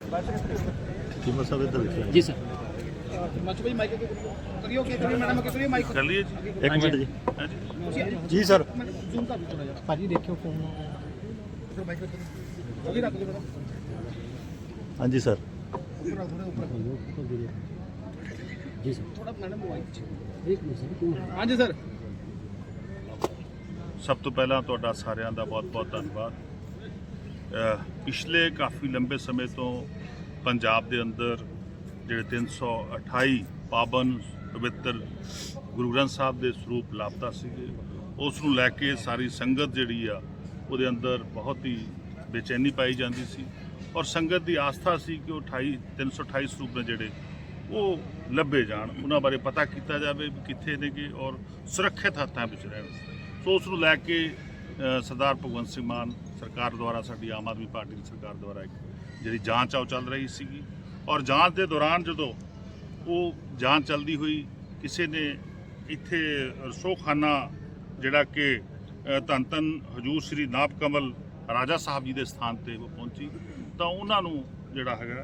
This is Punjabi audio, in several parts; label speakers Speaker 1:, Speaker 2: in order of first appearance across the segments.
Speaker 1: चीमा साहब इधर देखिए
Speaker 2: जी सर।
Speaker 3: कर लिए जी।
Speaker 1: एक मिनट जी
Speaker 3: हाँ जी।
Speaker 1: जी सर
Speaker 2: भाजी देखियो फोन
Speaker 1: हाँ जी सर
Speaker 2: जी सर थोड़ा मैडम एक मिनट सर हाँ जी सर।
Speaker 3: ਸਭ ਤੋਂ ਪਹਿਲਾਂ ਤੁਹਾਡਾ ਸਾਰਿਆਂ ਦਾ ਬਹੁਤ-ਬਹੁਤ ਧੰਨਵਾਦ। ਪਿਛਲੇ ਕਾਫੀ ਲੰਬੇ ਸਮੇਂ ਤੋਂ ਪੰਜਾਬ ਦੇ ਅੰਦਰ ਜਿਹੜੇ 328 ਪਾਵਨ ਪਵਿੱਤਰ ਗੁਰੂ ਗ੍ਰੰਥ ਸਾਹਿਬ ਦੇ ਸਰੂਪ ਲਾਪਤਾ ਸੀਗੇ, ਉਸ ਨੂੰ ਲੈ ਕੇ ਸਾਰੀ ਸੰਗਤ ਜਿਹੜੀ ਆ ਉਹਦੇ ਅੰਦਰ ਬਹੁਤ ਹੀ ਬੇਚੈਨੀ ਪਾਈ ਜਾਂਦੀ ਸੀ ਔਰ ਸੰਗਤ ਦੀ ਆਸਥਾ ਸੀ ਕਿ ਉਹ 328 ਸਰੂਪ ਨੇ ਜਿਹੜੇ ਉਹ ਲੱਭੇ ਜਾਣ, ਉਹਨਾਂ ਬਾਰੇ ਪਤਾ ਕੀਤਾ ਜਾਵੇ ਵੀ ਕਿੱਥੇ ਨੇਗੇ ਔਰ ਸੁਰੱਖਿਅਤ ਹੱਥਾਂ ਵਿੱਚ ਰਹਿਣ। ਸੋ ਉਸ ਨੂੰ ਲੈ ਕੇ ਸਰਦਾਰ ਭਗਵੰਤ ਸਿੰਘ ਮਾਨ ਸਰਕਾਰ ਦੁਆਰਾ, ਸਾਡੀ ਆਮ ਆਦਮੀ ਪਾਰਟੀ ਦੀ ਸਰਕਾਰ ਦੁਆਰਾ ਇੱਕ ਜਿਹੜੀ ਜਾਂਚ ਆ ਉਹ ਚੱਲ ਰਹੀ ਸੀਗੀ ਔਰ ਜਾਂਚ ਦੇ ਦੌਰਾਨ ਜਦੋਂ ਉਹ ਜਾਂਚ ਚੱਲਦੀ ਹੋਈ ਕਿਸੇ ਨੇ ਇੱਥੇ ਰਸੋਖਾਨਾ ਜਿਹੜਾ ਕਿ ਧੰਨ ਧੰਨ ਹਜੂਰ ਸ਼੍ਰੀ ਨਾਭ ਕਮਲ ਰਾਜਾ ਸਾਹਿਬ ਜੀ ਦੇ ਸਥਾਨ ਤੇ ਉਹ ਪਹੁੰਚੀ ਤਾਂ ਉਹਨਾਂ ਨੂੰ ਜਿਹੜਾ ਹੈਗਾ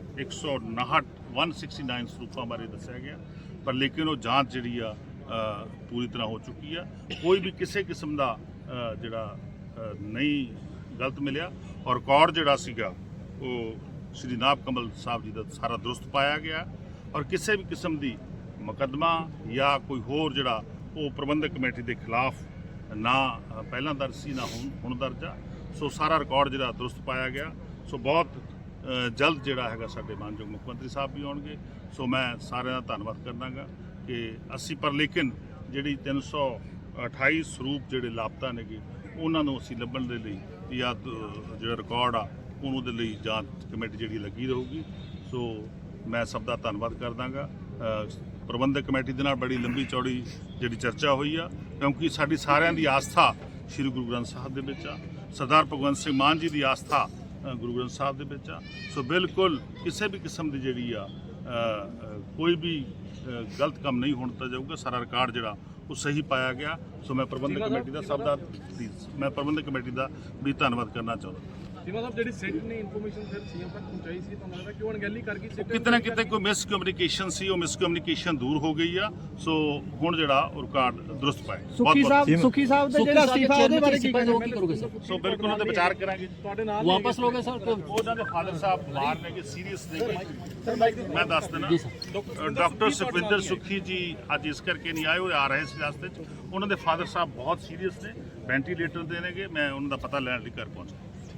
Speaker 3: 169 ਸਰੂਪਾਂ ਬਾਰੇ ਦੱਸਿਆ ਗਿਆ, ਪਰ ਲੇਕਿਨ ਉਹ ਜਾਂਚ ਜਿਹੜੀ ਆ ਪੂਰੀ ਤਰ੍ਹਾਂ ਹੋ ਚੁੱਕੀ ਆ। ਕੋਈ ਵੀ ਕਿਸੇ ਕਿਸਮ ਦਾ ਜਿਹੜਾ ਨਹੀਂ ਗਲਤ ਮਿਲਿਆ ਔਰ ਰਿਕਾਰਡ ਜਿਹੜਾ ਸੀਗਾ ਉਹ ਸ਼੍ਰੀ ਨਾਭ ਕਮਲ ਸਾਹਿਬ ਜੀ ਦਾ ਸਾਰਾ ਦਰੁਸਤ ਪਾਇਆ ਗਿਆ ਔਰ ਕਿਸੇ ਵੀ ਕਿਸਮ ਦੀ ਮੁਕੱਦਮਾ ਜਾਂ ਕੋਈ ਹੋਰ ਜਿਹੜਾ ਉਹ ਪ੍ਰਬੰਧਕ ਕਮੇਟੀ ਦੇ ਖਿਲਾਫ ਨਾ ਪਹਿਲਾਂ ਦਰਜ ਸੀ ਨਾ ਹੁਣ ਦਰਜ ਆ। ਸੋ ਸਾਰਾ ਰਿਕਾਰਡ ਜਿਹੜਾ ਦਰੁਸਤ ਪਾਇਆ ਗਿਆ। ਸੋ ਬਹੁਤ ਜਲਦ ਜਿਹੜਾ ਹੈਗਾ ਸਾਡੇ ਮਾਨਯੋਗ ਮੁੱਖ ਮੰਤਰੀ ਸਾਹਿਬ ਵੀ ਆਉਣਗੇ। ਸੋ ਮੈਂ ਸਾਰਿਆਂ ਦਾ ਧੰਨਵਾਦ ਕਰਦਾਂਗਾ ਕਿ ਅਸੀਂ ਪਰ ਲੇਕਿਨ ਜਿਹੜੀ 328 ਸਰੂਪ ਜਿਹੜੇ ਲਾਪਤਾ ਨੇਗੇ ਉਹਨਾਂ ਨੂੰ ਅਸੀਂ ਲੱਭਣ ਦੇ ਲਈ ਜਾਂ ਜਿਹੜਾ ਰਿਕਾਰਡ ਆ ਉਹਨੂੰ ਦੇ ਲਈ ਜਾਂਚ ਕਮੇਟੀ ਜਿਹੜੀ ਲੱਗੀ ਰਹੂਗੀ। ਸੋ ਮੈਂ ਸਭ ਦਾ ਧੰਨਵਾਦ ਕਰਦਾਂਗਾ। ਪ੍ਰਬੰਧਕ ਕਮੇਟੀ ਦੇ ਨਾਲ ਬੜੀ ਲੰਬੀ ਚੌੜੀ ਜਿਹੜੀ ਚਰਚਾ ਹੋਈ ਆ ਕਿਉਂਕਿ ਸਾਡੀ ਸਾਰਿਆਂ ਦੀ ਆਸਥਾ ਸ਼੍ਰੀ ਗੁਰੂ ਗ੍ਰੰਥ ਸਾਹਿਬ ਦੇ ਵਿੱਚ ਆ, ਸਰਦਾਰ ਭਗਵੰਤ ਸਿੰਘ ਮਾਨ ਜੀ ਦੀ ਆਸਥਾ ਗੁਰੂ ਗ੍ਰੰਥ ਸਾਹਿਬ ਦੇ ਵਿੱਚ ਆ। ਸੋ ਬਿਲਕੁਲ ਕਿਸੇ ਵੀ ਕਿਸਮ ਦੀ ਜਿਹੜੀ ਆ ਕੋਈ ਵੀ ਗਲਤ ਕੰਮ ਨਹੀਂ ਹੋਣ ਦਿੱਤਾ ਜਾਊਗਾ। ਸਾਰਾ ਰਿਕਾਰਡ ਜਿਹੜਾ ਉਹ ਸਹੀ ਪਾਇਆ ਗਿਆ। ਸੋ ਮੈਂ ਪ੍ਰਬੰਧਕ ਕਮੇਟੀ ਦਾ ਪ੍ਰਬੰਧਕ ਕਮੇਟੀ ਦਾ ਵੀ ਧੰਨਵਾਦ ਕਰਨਾ ਚਾਹੁੰਦਾ।
Speaker 4: ਚੀਮਾ ਸਾਹਿਬ ਜਿਹੜੀ ਸਿੱਟ ਨੇ ਇਨਫੋਰਮੇਸ਼ਨ ਫਿਰ ਸੀਐਮ ਤੱਕ ਪਹੁੰਚਾਈ ਸੀ, ਤੁਹਾਨੂੰ ਲੱਗਦਾ ਕਿਉਂ ਅਣਗਹਿਲੀ ਕਰ ਗਈ ਸਿੱਟ?
Speaker 3: ਕਿਤੇ ਨਾ ਕਿਤੇ ਕੋਈ ਮਿਸਕਮਿਊਨੀਕੇਸ਼ਨ ਸੀ, ਉਹ ਮਿਸਕਮਿਊਨੀਕੇਸ਼ਨ ਦੂਰ ਹੋ ਗਈ ਆ। ਸੋ ਹੁਣ ਜਿਹੜਾ ਉਹ ਰਿਕਾਰਡ ਦਰੁਸਤ ਪਾਇਆ।
Speaker 2: ਸੁਖੀ ਸਾਹਿਬ ਦਾ ਜਿਹੜਾ ਅਸਤੀਫਾ ਉਹਦੇ ਬਾਰੇ ਕੀ ਕਰੋਗੇ ਸਰ?
Speaker 3: ਸੋ ਬਿਲਕੁਲ ਉਹਦੇ ਵਿਚਾਰ ਕਰਾਂਗੇ।
Speaker 4: ਤੁਹਾਡੇ ਨਾਲ
Speaker 2: ਵਾਪਸ ਲੋਗੇ ਸਰ?
Speaker 3: ਉਹਨਾਂ ਦੇ ਫਾਦਰ ਸਾਹਿਬ ਬਿਮਾਰ ਨੇ ਕਿ ਸੀਰੀਅਸ ਨੇ। ਮੈਂ ਦੱਸ ਦਿੰਦਾ ਡਾਕਟਰ ਸੁਖਵਿੰਦਰ ਸੁਖੀ ਜੀ ਅੱਜ ਇਸ ਕਰਕੇ ਨਹੀਂ ਆਏ, ਉਹ ਆ ਰਹੇ ਸੀ ਰਸਤੇ 'ਚ। ਉਹਨਾਂ ਦੇ ਫਾਦਰ ਸਾਹਿਬ ਬਹੁਤ ਸੀਰੀਅਸ ਨੇ, ਵੈਂਟੀਲੇਟਰ ਦੇ ਨੇਗੇ। ਮੈਂ ਉਹਨਾਂ ਦਾ ਪਤਾ ਲੈਣ ਲਈ ਘਰ ਪਹੁੰਚਾ।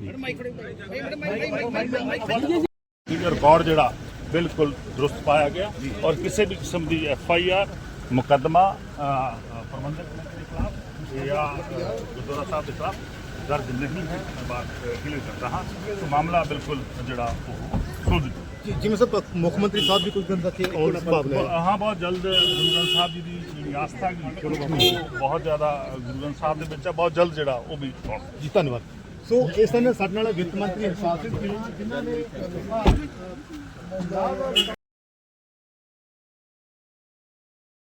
Speaker 3: ਰਿਕਾਰਡ ਜਿਹੜਾ ਬਿਲਕੁਲ ਦਰੁਸਤ ਪਾਇਆ ਗਿਆ ਔਰ ਕਿਸੇ ਵੀ ਕਿਸਮ ਦੀ FIR ਮੁਕੱਦਮਾ ਪ੍ਰਬੰਧਕ ਕਮੇਟੀ ਦੇ ਖਿਲਾਫ ਜਾਂ ਗੁਰਦੁਆਰਾ ਸਾਹਿਬ ਦੇ ਖਿਲਾਫ ਦਰਜ ਨਹੀਂ ਹੈ। ਮੈਂ ਬਾਤ ਕਲੀਅਰ ਕਰਦਾ ਹਾਂ। तो मामला बिल्कुल जड़ा सुलझ
Speaker 1: जिम्मे साहब मुख्यमंत्री साहब भी कुछ दिन रखे और संभावना है।
Speaker 3: हाँ बहुत जल्द गुरु ग्रंथ साहब जी की आस्था की बहुत ज़्यादा गुरु ग्रंथ साहब के बच्चा बहुत जल्द जड़ा वो भी
Speaker 1: जी धन्यवाद। सो इस समय साडे नाल वित्त मंत्री हरपाल सिंह जिन्होंने